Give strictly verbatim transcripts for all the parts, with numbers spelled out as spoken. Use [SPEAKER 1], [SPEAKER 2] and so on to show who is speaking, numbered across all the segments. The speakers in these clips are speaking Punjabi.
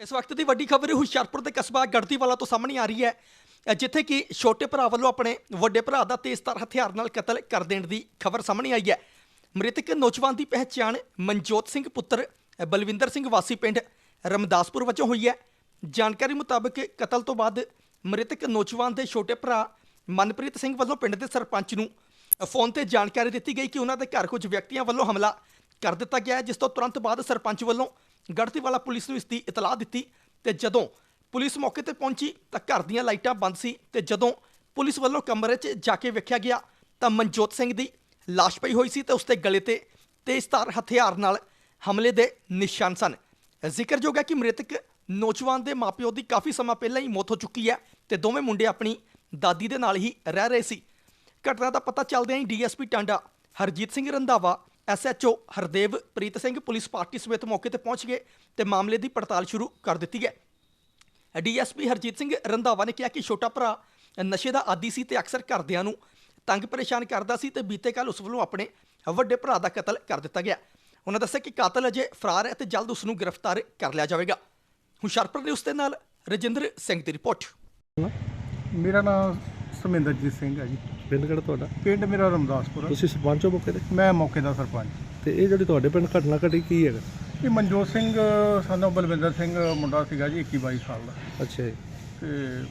[SPEAKER 1] इस वक्त की वड्डी खबर हुशियारपुर के कस्बा गढ़तीवाला तो सामने आ रही है, जिथे कि छोटे भरा वालों अपने वड्डे भरा का तेजधार हथियार नाल कतल कर देने की खबर सामने आई है। मृतक नौजवान की पहचान मनजोत सिंह पुत्र बलविंदर सिंह वासी पिंड रमदासपुर वजों हुई है। जानकारी मुताबिक कतल तो बाद मृतक नौजवान के छोटे भरा मनप्रीत सिंह वालों पिंड के सरपंच नूं फोन पर जानकारी दी गई कि उन्होंने घर कुछ व्यक्तियों वालों हमला कर दिता गया है, जिस तो तुरंत बाद सरपंच वालों गढ़तीवाला पुलिस नूं इसकी इतलाह दी। तो जदों पुलिस मौके पर पहुंची तो घर दीयां लाइटां बंद सी ते जदों पुलिस वालों कमरे च जाके वेख्या गया तो मनजोत सिंह की लाश पई हुई सी ते उसके गले ते तेजधार हथियार नाल हमले के निशान सन। जिक्रयोग है कि मृतक नौजवान के माँ प्यो की काफ़ी समा पहले ही मौत हो चुकी है तो दोवें मुंडे अपनी दादी के नाल ही रह रहे सी। घटना का पता चलदे ही D S P Tanda Harjit Singh Randhawa, S H O Hardev Preet Singh police party समेत मौके पर पहुँच गए तो मामले की पड़ताल शुरू कर दी है। D S P Harjit Singh Randhawa ने कहा कि छोटा भरा नशे का आदी सी ते अक्सर घरदियां नूं तंग परेशान करता सी ते बीते कल उस वालों अपने वड्डे भरा का कतल कर दिता गया। उन्होंने दस्सिया कि कातल अजे फरार है तो जल्द उसनूं गिरफ्तार कर लिया जाएगा। हुशियारपुर न्यूज़ के नाल रजिंदर सिंह की रिपोर्ट।
[SPEAKER 2] मेरा नाम ਸਮਿੰਦਰਜੀਤ ਸਿੰਘ ਹੈ ਜੀ।
[SPEAKER 3] ਪਿੰਡ ਕਿਹੜਾ ਤੁਹਾਡਾ?
[SPEAKER 2] ਪਿੰਡ ਮੇਰਾ ਰਮਦਾਸਪੁਰ।
[SPEAKER 3] ਤੁਸੀਂ ਸਰਪੰਚ ਹੋ ਮੌਕੇ ਤੇ?
[SPEAKER 2] ਮੈਂ ਮੌਕੇ ਦਾ ਸਰਪੰਚ।
[SPEAKER 3] ਤੇ ਇਹ ਜਿਹੜੀ ਤੁਹਾਡੇ ਪਿੰਡ ਘਟਨਾ ਘਟੀ ਕੀ ਹੈਗਾ?
[SPEAKER 2] ਇਹ ਮਨਜੋਤ ਸਿੰਘ ਸਾਨੂੰ ਬਲਵਿੰਦਰ ਸਿੰਘ ਮੁੰਡਾ ਸੀਗਾ ਜੀ, ਇੱਕੀ ਬਾਈ ਸਾਲ ਦਾ।
[SPEAKER 3] ਅੱਛਾ ਜੀ।
[SPEAKER 2] ਤੇ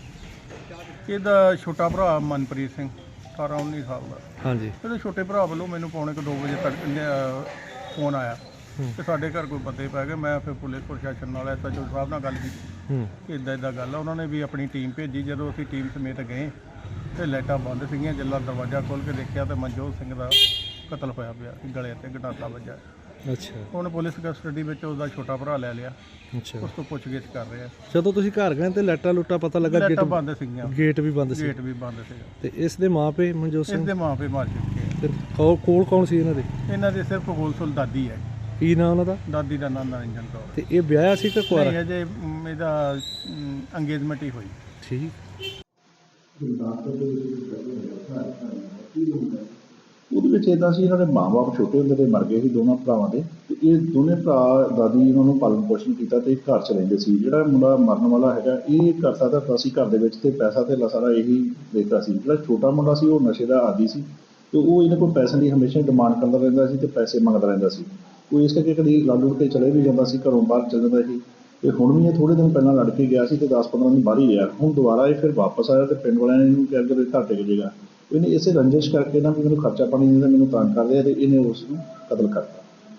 [SPEAKER 2] ਇਹਦਾ ਛੋਟਾ ਭਰਾ ਮਨਪ੍ਰੀਤ ਸਿੰਘ ਅਠਾਰਾਂ ਉੱਨੀ ਸਾਲ ਦਾ।
[SPEAKER 3] ਹਾਂਜੀ।
[SPEAKER 2] ਇਹਦੇ ਛੋਟੇ ਭਰਾ ਵੱਲੋਂ ਮੈਨੂੰ ਪੌਣੇ ਕੁ ਦੋ ਵਜੇ ਤੱਕ ਫੋਨ ਆਇਆ ਕਿ ਸਾਡੇ ਘਰ ਕੋਈ ਬੰਦੇ ਪੈ ਗਏ। ਮੈਂ ਫਿਰ ਪੁਲਿਸ ਪ੍ਰਸ਼ਾਸਨ ਨਾਲ ਐਸ ਐਚ ਓ ਸਾਹਿਬ ਨਾਲ ਗੱਲ ਕੀਤੀ ਕਿ ਇੱਦਾਂ ਇੱਦਾਂ ਗੱਲ ਆ। ਉਹਨਾਂ ਨੇ ਵੀ ਆਪਣੀ ਟੀਮ ਭੇਜੀ। ਜਦੋਂ ਅਸੀਂ ਟੀਮ ਸਮੇਤ ਗਏ ਤੇ ਲਾਈਟਾਂ ਬੰਦ ਸੀਗੀਆਂ। ਜਦੋਂ ਦਰਵਾਜ਼ਾ ਖੋਲ੍ਹ ਕੇ ਦੇਖਿਆ ਤਾਂ ਮਨਜੋਤ ਸਿੰਘ ਦਾ ਕਤਲ ਹੋਇਆ ਪਿਆ, ਗਲੇ ਤੇ ਗੰਡਾਸਾ ਵੱਜਾ।
[SPEAKER 3] ਅੱਛਾ।
[SPEAKER 2] ਹੁਣ ਪੁਲਿਸ ਕਸਟਡੀ ਵਿੱਚ ਉਹਦਾ ਛੋਟਾ ਭਰਾ ਲੈ ਲਿਆ।
[SPEAKER 3] ਅੱਛਾ।
[SPEAKER 2] ਉਸ ਤੋਂ ਪੁੱਛਗਿੱਛ ਕਰ ਰਹੇ ਆ।
[SPEAKER 3] ਜਦੋਂ ਤੁਸੀਂ ਘਰ ਗਏ ਤੇ ਲਾਈਟਾਂ ਲੁੱਟਾ ਪਤਾ ਲੱਗਾ ਗੇਟ
[SPEAKER 2] ਲਾਈਟਾਂ ਬੰਦ ਸੀਗੀਆਂ।
[SPEAKER 3] ਗੇਟ ਵੀ ਬੰਦ ਸੀ।
[SPEAKER 2] ਗੇਟ ਵੀ ਬੰਦ ਸੀਗਾ।
[SPEAKER 3] ਤੇ ਇਸ ਦੇ ਮਾਪੇ ਮਨਜੋਤ ਸਿੰਘ
[SPEAKER 2] ਇਸ ਦੇ ਮਾਪੇ ਮਾਰ ਚੁੱਕੇ ਆ।
[SPEAKER 3] ਤੇ ਕੋਲ ਕੋਲ ਕੌਣ ਸੀ ਇਹਨਾਂ ਦੇ?
[SPEAKER 2] ਇਹਨਾਂ ਦੇ ਸਿਰਫ ਗੋਲਸੁਲ ਦਾਦੀ ਹੈ।
[SPEAKER 3] ਕੀ ਨਾਂ ਉਹਨਾਂ ਦਾ?
[SPEAKER 2] ਦਾਦੀ ਦਾ ਨਾਮ ਨਰਿੰਜਨ ਕੌਰ।
[SPEAKER 3] ਤੇ ਇਹ ਵਿਆਹਿਆ ਸੀ ਕਿ ਕੁਆਰਾ?
[SPEAKER 2] ਨਹੀਂ, ਅਜੇ ਮ, ਇਹਦਾ ਅੰਗੇਜਮੈਂਟ ਹੀ ਹੋਈ।
[SPEAKER 3] ਠੀਕ।
[SPEAKER 4] ਉਹਦੇ ਵਿੱਚ ਇੱਦਾਂ ਸੀ, ਇਹਨਾਂ ਦੇ ਮਾਂ-ਬਾਪ ਛੋਟੇ ਹੁੰਦੇ ਤੇ ਮਰ ਗਏ ਸੀ ਦੋਨਾਂ ਭਰਾਵਾਂ ਦੇ। ਤੇ ਇਹ ਦੋਨੇ ਭਰਾ ਦਾਦੀ ਇਹਨਾਂ ਨੂੰ ਪਾਲਣ ਪੋਸ਼ਣ ਕੀਤਾ ਤੇ ਘਰ 'ਚ ਰਹਿੰਦੇ ਸੀ। ਜਿਹੜਾ ਮੁੰਡਾ ਮਰਨ ਵਾਲਾ ਹੈਗਾ ਇਹ ਕਰਦਾ ਧਰਦਾ ਸੀ ਘਰ ਦੇ ਵਿੱਚ ਤੇ ਪੈਸਾ ਧੇਲਾ ਸਾਰਾ ਇਹੀ ਦੇਖਦਾ ਸੀ। ਜਿਹੜਾ ਛੋਟਾ ਮੁੰਡਾ ਸੀ ਉਹ ਨਸ਼ੇ ਦਾ ਆਦੀ ਸੀ ਤੇ ਉਹ ਇਹਨਾਂ ਕੋਲ ਪੈਸੇ ਦੀ ਹਮੇਸ਼ਾ ਡਿਮਾਂਡ ਕਰਦਾ ਰਹਿੰਦਾ ਸੀ ਤੇ ਪੈਸੇ ਮੰਗਦਾ ਰਹਿੰਦਾ ਸੀ। ਉਹ ਇਸ ਕਰਕੇ ਕਦੀ ਲੜ ਲੁੜ ਕੇ ਚਲੇ ਵੀ ਜਾਂਦਾ ਸੀ, ਘਰੋਂ ਬਾਹਰ ਚਲ ਜਾਂਦਾ ਸੀ। ਤੇ ਹੁਣ ਵੀ ਇਹ ਥੋੜ੍ਹੇ ਦਿਨ ਪਹਿਲਾਂ ਲੜ ਕੇ ਗਿਆ ਸੀ ਤੇ ਦਸ ਪੰਦਰਾਂ ਦਿਨ ਬਾਹਰ ਹੀ ਰਿਹਾ। ਹੁਣ ਦੁਬਾਰਾ ਇਹ ਫਿਰ ਵਾਪਸ ਆਇਆ ਤੇ ਪਿੰਡ ਵਾਲਿਆਂ ਨੇ ਇਹਨੂੰ ਕਿਹਾ ਕਿ ਘਰ ਟਿਕ ਜਾਏਗਾ। ਇਹਨੇ ਇਸੇ ਰੰਜਿਸ਼ ਕਰਕੇ ਨਾ ਵੀ ਮੈਨੂੰ ਖਰਚਾ ਪਾਣੀ ਦਿੰਦਾ, ਮੈਨੂੰ ਤੰਗ ਕਰਦੇ ਆ ਤੇ ਇਹਨੇ ਉਸ ਨੂੰ ਕਤਲ ਕਰਤਾ।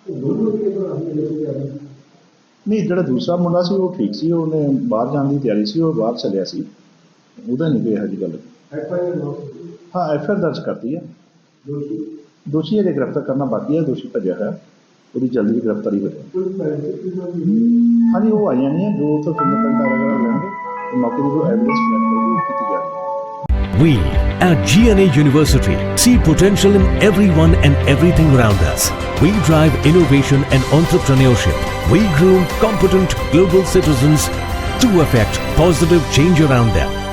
[SPEAKER 4] ਨਹੀਂ, ਜਿਹੜਾ ਦੂਸਰਾ ਮੁੰਡਾ ਸੀ ਉਹ ਠੀਕ ਸੀ, ਉਹਨੇ ਬਾਹਰ ਜਾਣ ਦੀ ਤਿਆਰੀ ਸੀ, ਉਹ ਬਾਹਰ ਚੱਲਿਆ ਸੀ। ਉਹਦਾ ਨਹੀਂ ਕੋਈ ਇਹੋ ਜਿਹੀ ਗੱਲ। ਹਾਂ, ਐਫ ਆਈ ਆਰ ਦਰਜ ਕਰਤੀ ਹੈ। ਦੋਸ਼ੀ ਅਜੇ ਗ੍ਰਿਫਤਾਰ ਕਰਨਾ ਬਾਕੀ ਹੈ। ਦੋਸ਼ੀ ਭੱਜਿਆ ਹੋਇਆ, ਉਹਦੀ ਜਲਦੀ ਗ੍ਰਿਫਤਾਰੀ ਹੋ ਜਾਏ। ਹਾਂਜੀ, ਉਹ ਆਈਆਂ ਨਹੀਂ ਹੈ। ਜੋ ਉੱਥੇ ਫਿੰਗਰਪ੍ਰਿੰਟ ਵਗੈਰਾ ਲੈਣਗੇ ਤੇ ਮੌਕੇ ਦੀ ਜੋ ਐਵੀਡੈਂਸ ਕਲੈਕਟ ਕਰੇਗੀ ਕੀਤੀ ਜਾਏਗੀ।
[SPEAKER 5] We at G N A University see potential in everyone and everything around us. We drive innovation and entrepreneurship. We groom competent global citizens to affect positive change around them.